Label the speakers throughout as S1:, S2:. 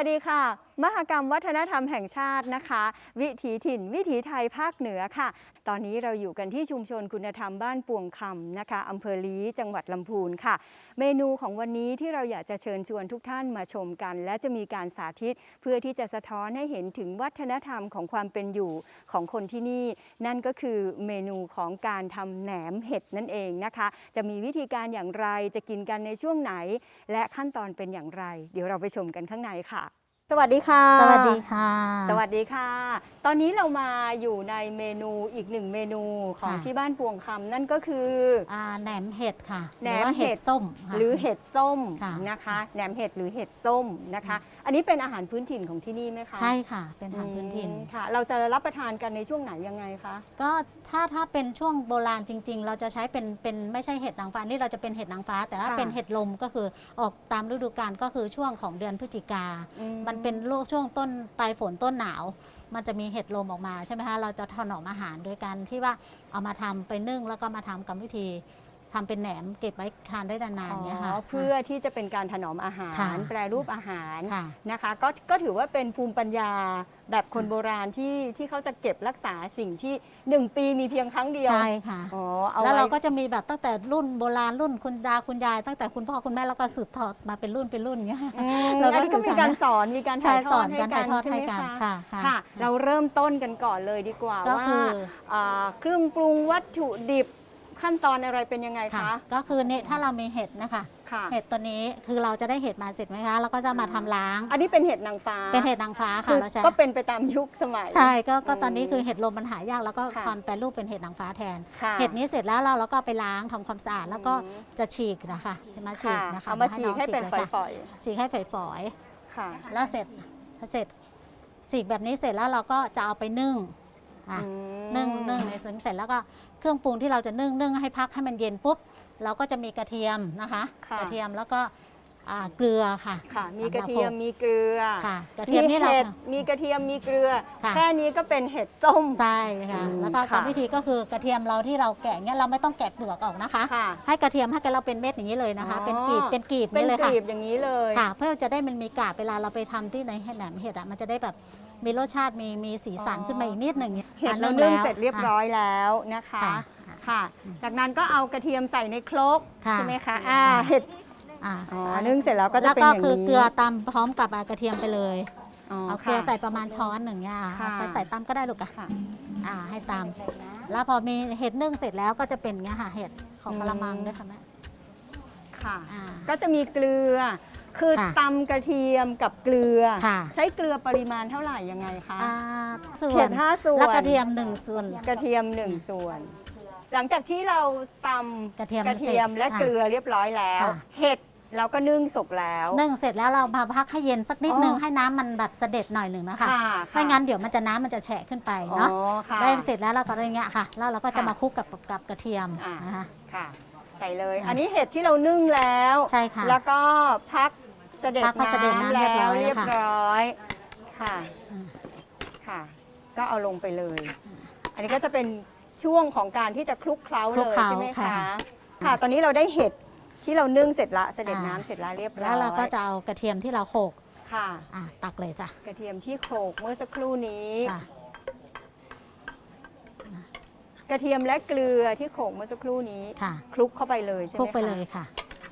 S1: วัสดีค่ะมหกรรมวัฒนธรรมแห่งชาตินะคะวิถีถิ่นวิถีไทยภาคเหนือค่ะตอนนี้เราอยู่กันที่ชุมชนคุณธรรมบ้านปวงคำนะคะอำเภอลี้จังหวัดลำพูนค่ะเมนูของวันนี้ที่เราอยากจะเชิญชวนทุกท่านมาชมกันและจะมีการสาธิตเพื่อที่จะสะท้อนให้เห็นถึงวัฒนธรรมของความเป็นอยู่ของคนที่นี่นั่นก็คือเมนูของการทำแหนมเห็ดนั่นเองนะคะจะมีวิธีการอย่างไรจะกินกันในช่วงไหนและขั้นตอนเป็นอย่างไรเดี๋ยวเราไปชมกันข้างในค่ะสวัสดีค่ะ
S2: สวัสดีค่ะ
S1: สวัสดีค่ะตอนนี้เรามาอยู่ในเมนูอีกหนึ่งเมนูของที่บ้านปวงคำนั่นก็คือ
S2: แหนมเห็ดค่ะ
S1: แหนมเห็ด
S2: ส้ม
S1: หรือเห็ดส้มนะคะแหนมเห็ดหรือเห็ดส้มนะคะอันนี้เป็นอาหารพื้นถิ่นของที่นี่ไหมคะ
S2: ใช่ค่ะเป็นอาหารพื้นถิ่น
S1: ค่ะเราจะรับประทานกันในช่วงไหนยังไงคะ
S2: ก็ถ้าเป็นช่วงโบราณจริงๆเราจะใช้เป็นไม่ใช่เห็ดนางฟ้านี่เราจะเป็นเห็ดนางฟ้าแต่ถ้าเป็นเห็ดลมก็คือออกตามฤดูกาลก็คือช่วงของเดือนพฤศจิกามันเป็นช่วงต้นปลายฝนต้นหนาวมันจะมีเห็ดลมออกมาใช่ไหมคะเราจะถนอมอาหารโดยการที่ว่าเอามาทำไปนึ่งแล้วก็มาทำกรรมวิธีทำเป็นแหนมเก็บไว้ทานได้นานๆเนี่ยค่ะ
S1: เพื่อที่จะเป็นการถนอมอาหารแปรรูปอาหารนะคะก็ถือว่าเป็นภูมิปัญญาแบบคนโบราณที่เขาจะเก็บรักษาสิ่งที่1 ปีมีเพียงครั้งเดียว
S2: ใช่ค่ะแล้วเราก็จะมีแบบตั้งแต่รุ่นโบราณรุ่นคุณตาคุณยายตั้งแต่คุณพ่อคุณแม่แล้วก็สืบทอดมาเป็นรุ่นเงี้ย
S1: อันนี้ก็มีการสอนมีการถ่ายทอดให้กันใช่ไหมคะค่ะเราเริ่มต้นกันก่อนเลยดีกว่าว่าเครื่องปรุงวัตถุดิบขั้นตอนอะไรเป็นยังไงคะ
S2: ก็คือเนี่ยถ้าเรามีเห็ดนะคะเห็ดตัวนี้คือเราจะได้เห็ดมาเสร็จไหมคะแล้วก็จะมาทำล้าง
S1: อันนี้เป็นเห็ดนางฟ้า
S2: เป็นเห็ดนางฟ้าค่ะเราใช้
S1: ก็เป็นไปตามยุคสมัย
S2: ใช่ก็ตอนนี้คือเห็ดลมมันหายากแล้วก็ความแปรรูปเป็นเห็ดนางฟ้าแทนเห็ดนี้เสร็จแล้วเราก็ไปล้างทำความสะอาดแล้วก็จะฉีกนะคะมาฉีกนะคะ
S1: เอามาฉีกให้เป็นฝอย
S2: ๆฉีกให้ฝอยๆแล้วเสร็จฉีกแบบนี้เสร็จแล้วเราก็จะเอาไปนึ่งในเสร็จแล้วก็เครื่องปรุงที่เราจะนึ่งให้พักให้มันเย็นปุ๊บเราก็จะมีกระเทียมนะคะกระเทียมแล้วก็เกลือค่ะ
S1: มีกระเทียมมีเกลือ
S2: กระเทียมนี่เรา
S1: มีกระเทียมมีเกลือแค่นี้ก็เป็นเห็ดส้ม
S2: ใช่ค่ะแล้วก็กรรมวิธีก็คือกระเทียมเราที่เราแกะเนี่ยเราไม่ต้องแกะเปลือกออกนะคะให้กระเทียมให้เราเป็นเม็ดอย่างนี้เลยนะคะเป็นกีบนี่เลยค่ะ
S1: เป็นกีบอย่างนี้เลย
S2: ค่ะเพื่อจะได้มันมีกาบเวลาเราไปทำที่ในแหนมเห็ดมันจะได้แบบมีรสชาติมีสีสันขึ้นมาอีกนิดหนึ่ง
S1: เห็ดเรานึ่งเสร็จเรียบร้อยแล้วนะคะค่ะจากนั้นก็เอากระเทียมใส่ในครกใช่ไหมคะเห็ดนึ่งเสร็จแล้วก็จะเป็นอย่างนี้
S2: แล้วก็คือเกลือตำพร้อมกับกระเทียมไปเลยเอาเกลือใส่ประมาณช้อนหนึ่งเนี่ยไปใส่ตำก็ได้ลูกค่ะให้ตำแล้วพอมีเห็ดนึ่งเสร็จแล้วก็จะเป็นเงี้ยค่ะเห็ดของกระมังด้วยค่ะแม่
S1: ค่ะก็จะมีเกลือคือตำกระเทียมกับเกลือใช้เกลือปริมาณเท่าไหร่ยังไงคะ
S2: เห็ด
S1: 5 ส่วน
S2: แล้วกระเทียม1 ส่วน
S1: กระเทียม1 ส่วนหลังจากที่เราตำกระเทียมและเกลือเรียบร้อยแล้วเห็ดเราก็นึ่งสุกแล้ว
S2: นึ่งเสร็จแล้วเรามาพักให้เย็นสักนิดนึงให้น้ำมันแบบเสด็จหน่อยหนึ่งนะคะไม่งั้นเดี๋ยวน้ำมันจะแฉะขึ้นไปเนาะได้เสร็จแล้วเราก็อย่างเงี้ยค่ะแล้วเราก็จะมาคลุกกับกระเทียมนะคะ
S1: ใส่เลยอันนี้เห็ดที่เรานึ่งแล้ว
S2: ใช่ค่ะ
S1: แล้วก็พักเสด็จน้ำแล้วเรียบร้อยค่ะก็เอาลงไปเลยอันนี้ก็จะเป็นช่วงของการที่จะคลุกเคล้าเลยใช่ไหมคะค่ะตอนนี้เราได้เห็ดที่เรานึ่งเสร็จละเสด็จน้ำเสร็จแล้วเรียบร้อย
S2: แล้วเราก็จะเอากระเทียมที่เราโขลก
S1: ค่ะ
S2: ตักเลยจ้ะ
S1: กระเทียมที่โขลกเมื่อสักครู่นี้กระเทียมและเกลือที่โขลกเมื่อสักครู่นี้คลุกเข้าไปเลยใช่ไหมคะ
S2: คลุกไปเลยค่ะ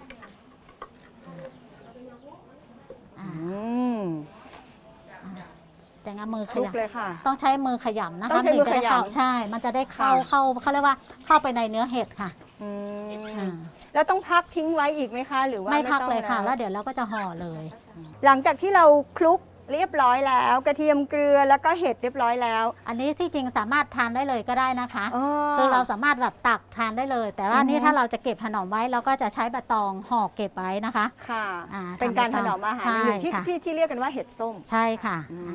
S2: แต่งมือขยำต้องใช้มือขยำนะคะ
S1: ต้องใช้มือขยำ
S2: ใช่มันจะได้เข้าเขาเรียกว่าเข้าไปในเนื้อเห็ดค่ะ
S1: แล้วต้องพักทิ้งไว้อีกไหมคะหรือว่า
S2: ไม่พักเลยค่ะแล้วเดี๋ยวเราก็จะห่อเลย
S1: หลังจากที่เราคลุกเรียบร้อยแล้วกระเทียมเกลือแล้วก็เห็ดเรียบร้อยแล้ว
S2: อันนี้ที่จริงสามารถทานได้เลยก็ได้นะคะคือเราสามารถแบบตักทานได้เลยแต่ว่านี่ถ้าเราจะเก็บถนอมไว้เราก็จะใช้ใบตองห่อเก็บไว้นะคะ
S1: ค่ะเป็นการถนอมอาหารที่เรียกกันว่าเห็ดส้ม
S2: ใช่ค่ะ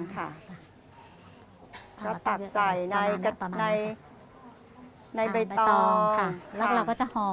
S1: ก็ตักใส่ในใบตอง
S2: ค่ะแล้วเราก็จะห่อ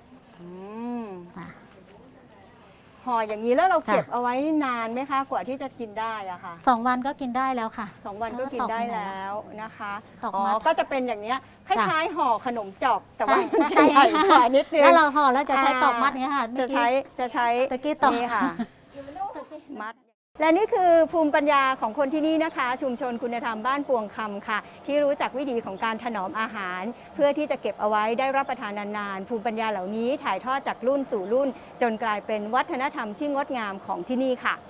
S1: ห่ออย่างนี้แล้วเราเก็บเอาไว้นานไหมคะกว่าที่จะกินได้อะค่ะ
S2: 2 วันก็กินได้แล้วค่ะ
S1: 2 วันก็กินได้แล้วนะคะก็จะเป็นอย่างนี้คล้ายๆห่อขนมจอกแต่ว่ามันจะใหญ่กว่านิดนึง
S2: แล้วเราห่อแล้วจะใช้ตอกมัดนี้ค่ะ
S1: จะใช้
S2: ตะกี้ตอก
S1: นี่ค่ะมัดและนี่คือภูมิปัญญาของคนที่นี่นะคะ ชุมชนคุณธรรมบ้านปวงคำค่ะ ที่รู้จักวิธีของการถนอมอาหาร เพื่อที่จะเก็บเอาไว้ได้รับประทานนานๆภูมิปัญญาเหล่านี้ถ่ายทอดจากรุ่นสู่รุ่น จนกลายเป็นวัฒนธรรมที่งดงามของที่นี่ค่ะ